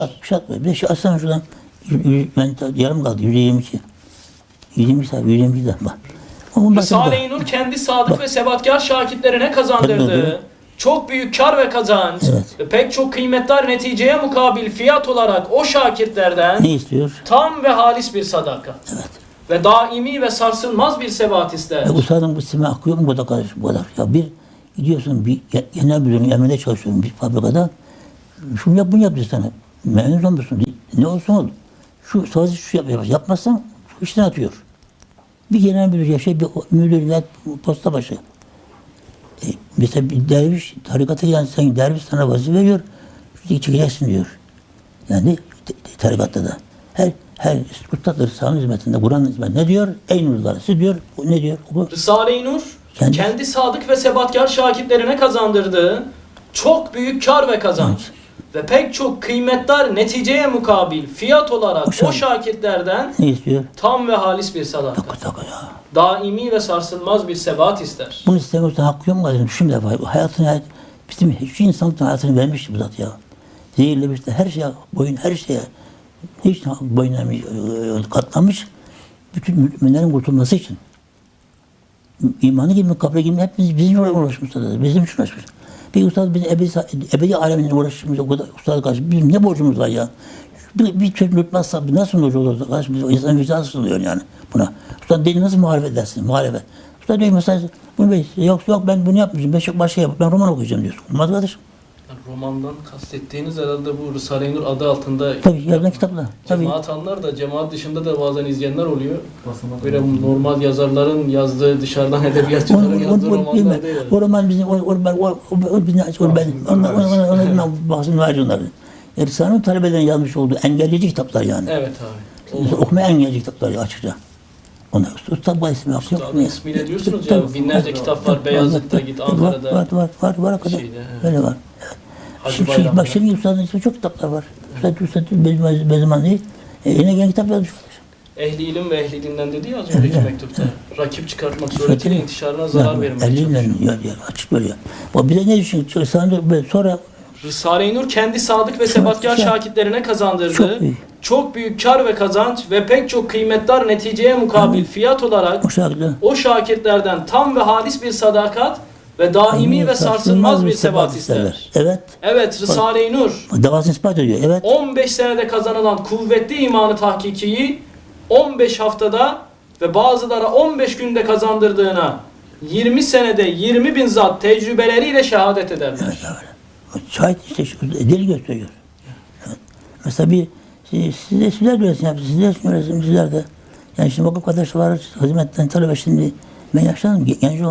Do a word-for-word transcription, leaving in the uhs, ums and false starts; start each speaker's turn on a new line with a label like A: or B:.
A: altmış altmış. Bir de şu aslan şuradan ben yarım kaldı. yüz yirmi iki. yüz yirmi iki sayfa. yüz yirmi iki de bak.
B: Risale-i Nur kendi sadık ve sebatkar şakirtlerine kazandırdığı çok büyük kar ve kazanç
A: Evet.
B: ve pek çok kıymetli neticeye mukabil fiyat olarak o şakirtlerden
A: Ne istiyor?
B: tam ve halis bir sadaka
A: Evet.
B: ve daimi ve sarsılmaz bir sebat ister.
A: E, ustadın bu sime akıyor mu bu da kardeş bu kadar. Ya bir gidiyorsun bir genel müdürün emrinde çalışıyorsun bir fabrikada. Şunu yap bunu yap diyor sana. Memnun olmuyorsun. Ne olsun ol. Şu sadece şu yap, yapmazsan işten atıyor. Bir genel müdür yaşa, bir müdür ve posta başı. E, mesela bir derviş tarikata gelen sen derviş sana vazife veriyor. Şuradaki çıkacaksın diyor. Yani te, te, tarikatta da. Her her ustadır sağın hizmetinde, Kur'an hizmetinde ne diyor? Ey nurlarısı diyor. O ne diyor? O,
B: Risale-i Nur
A: Kendi-
B: kendi sadık ve sebatkar şakirtlerine kazandırdığı çok büyük kar ve kazanç ve pek çok kıymetli neticeye mukabil fiyat olarak
A: O şak-
B: o şakirtlerden
A: ne istiyor?
B: tam ve halis bir sadaka,
A: Takı takı ya.
B: daimi ve sarsılmaz bir sebat ister.
A: Bunu istemiyorsan hakkı yok mu kardeşim? Düşün bir defa. Hayatını, hayat, bizim hiç insanın hayatını vermişti bu zat ya. Zehirlemişti. Her şeye, boyun her şeye hiç boyun eğmiş, katlamış. Bütün müminlerin kurtulması için. İmanı gibi, kabre gibi hepimiz bizim için uğraşmışız. Bizim için uğraşmış. Bir ustad bizim ebedi, ebedi aleminle uğraşmışız. O kadar ustad karşı. Bizim ne borcumuz var ya? Bir, bir çocuk unutmazsa nasıl hoca olursa karşı biz o insan vicdansız oluyor yani buna. Ustad deli nasıl muhalefet edersin? Muhalefet. Ustad diyor mesela bunu be, yok yok ben bunu yapmayacağım. Ben çok başka yap. Ben roman okuyacağım diyorsun. Olmaz kardeşim.
B: Yani romandan kastettiğiniz herhalde bu Risale-i Nur adı altında
A: Tabii yazılan kitaplar. Tabii.
B: cemaat anlar da cemaat dışında da bazen izleyenler oluyor. Böyle normal yazarların yazdığı, dışarıdan edebiyatçıların yazdığı romanlar değil.
A: O roman bizim, o, o, o, o, o, bizim, o, ben, ona, ona, ona, ona, ona bahsini var onları. Risale'nin talebelerin yazmış olduğu engelleyici kitaplar yani.
B: Evet abi.
A: Mesela okumaya engelleyici kitaplar açıkça. Onlar Usta bu ismi yok.
B: Ustadın ismiyle diyorsunuz ya, binlerce kitap var. Beyazıt'ta git, Ankara'da.
A: Var, var, var, var, var.
B: Şeyde, evet.
A: Öyle var.
B: Hacı
A: Şimdi,
B: Bayram'da.
A: bak şimdi Ustad'ın ismi çok kitaplar var. Ustad, Ustad, Bezman, Bezman değil. E, yine gelen kitap yazmış.
B: Ehli ilim ve ehli dinden dedi ya az önceki mektupta. Rakip çıkartmak suretiyle intişarına zarar vermeye
A: Eliyle
B: çalışıyor.
A: ya, ya, açık böyle ya. O bir de ne düşünüyor? Sonra
B: Risale-i Nur kendi sadık ve sebatkar
A: güzel.
B: şakirtlerine kazandırdığı
A: Çok büyük.
B: çok büyük kar ve kazanç ve pek çok kıymetli neticeye mukabil fiyat olarak
A: o şarkıda
B: o şakirtlerden tam ve halis bir sadakat ve daimi ve sarsılmaz bir sebat ister.
A: Evet.
B: Evet, Risale-i Nur
A: Davasını ispat ediyor. Evet.
B: on beş senede kazanılan kuvvetli imanı tahkikiyi on beş haftada ve bazılara on beş günde kazandırdığına yirmi senede yirmi bin zat tecrübeleriyle şehadet ederler.
A: Evet, öyle. O şahit işte şu, deli gösteriyor. Evet. Mesela bir siz, size sizler de öğretsin yapın. Sizler de öğretsin sizler de. Yani şimdi vakıf arkadaşlar var hizmetten talebe şimdi ben yaşlandım genç olan